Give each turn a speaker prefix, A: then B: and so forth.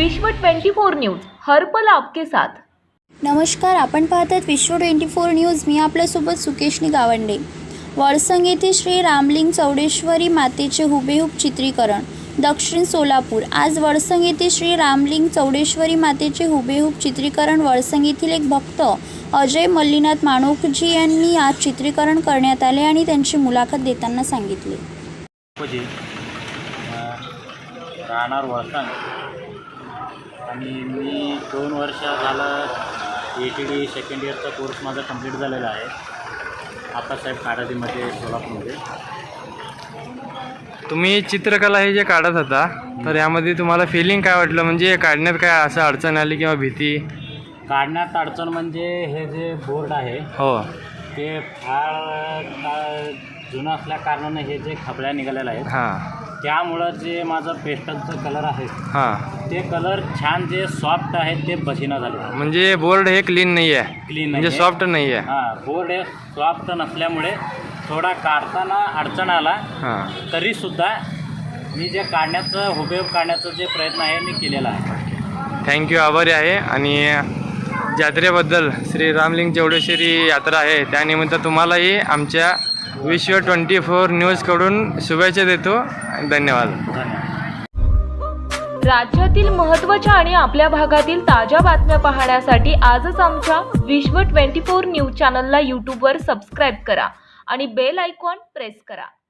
A: विश्व 24 न्यूज हर पल आपके साथ।
B: नमस्कार, आपण पाहतात विश्व 24 न्यूज। मी आपल्यासोबत सुकेशनी गावंडे। वळसंग येथे श्री रामलिंग चौडेश्वरी मातेचे हुबेहूब चित्रीकरण दक्षिण सोलापूर। आज वळसंग येथे श्री रामलिंग चौडेश्वरी मातेचे हुबेहूब चित्रीकरण वळसंग येथील एक भक्त अजय मल्लीनाथ माणोकजी यांनी आज चित्रीकरण करण्यात आले आणि त्यांची मुलाखत देताना सांगितले।
C: राहणार वळसंग आणि मी 2 वर्ष झालं ATD सेकंड इयरचा कोर्स माझा कंप्लीट झालेला आहे आप्पासाहेब काराडीमध्ये सोलापूरमध्ये।
D: तुम्ही चित्रकला हे जे काढत होता तर यामध्ये तुम्हाला फिलिंग काय वाटलं, म्हणजे काढण्यात काय असं अडचण आली किंवा भीती?
C: काढण्यात अडचण म्हणजे हे जे बोर्ड आहे
D: हो
C: ते फार जुनं असल्या कारणाने हे जे खबळ्या निघालेल्या आहेत
D: हां
C: त्यामुळं जे माझं पेस्टलचं कलर आहे
D: हां
C: ते कलर छान जे सॉफ्ट आहे ते बसिना झाले।
D: म्हणजे बोर्ड हे क्लीन नाही आहे,
C: क्लीन
D: म्हणजे सॉफ्ट नाही आहे।
C: हां, बोर्ड हे सॉफ्ट नसल्यामुळे थोडा काढताना अडचण आला।
D: हां
C: तरीसुद्धा मी जे काढण्याचं हुबेहूब काढण्याचा जे प्रयत्न आहे मी केलेला आहे।
D: थँक्यू, आभारी आहे। आणि जात्रेबद्दल श्री रामलिंग चौडेश्वरी यात्रा आहे त्यानिमित्त तुम्हालाही आमच्या विश्व 24 न्यूजकडून शुभेच्छा देतो। धन्यवाद।
A: राज्यातील महत्त्वाच्या आणि आपल्या भागातील ताज्या बातम्या पाहण्यासाठी आजच आमच्या विश्व 24 न्यूज चॅनलला यूट्यूबवर सबस्क्राईब करा आणि बेल आयकॉन प्रेस करा।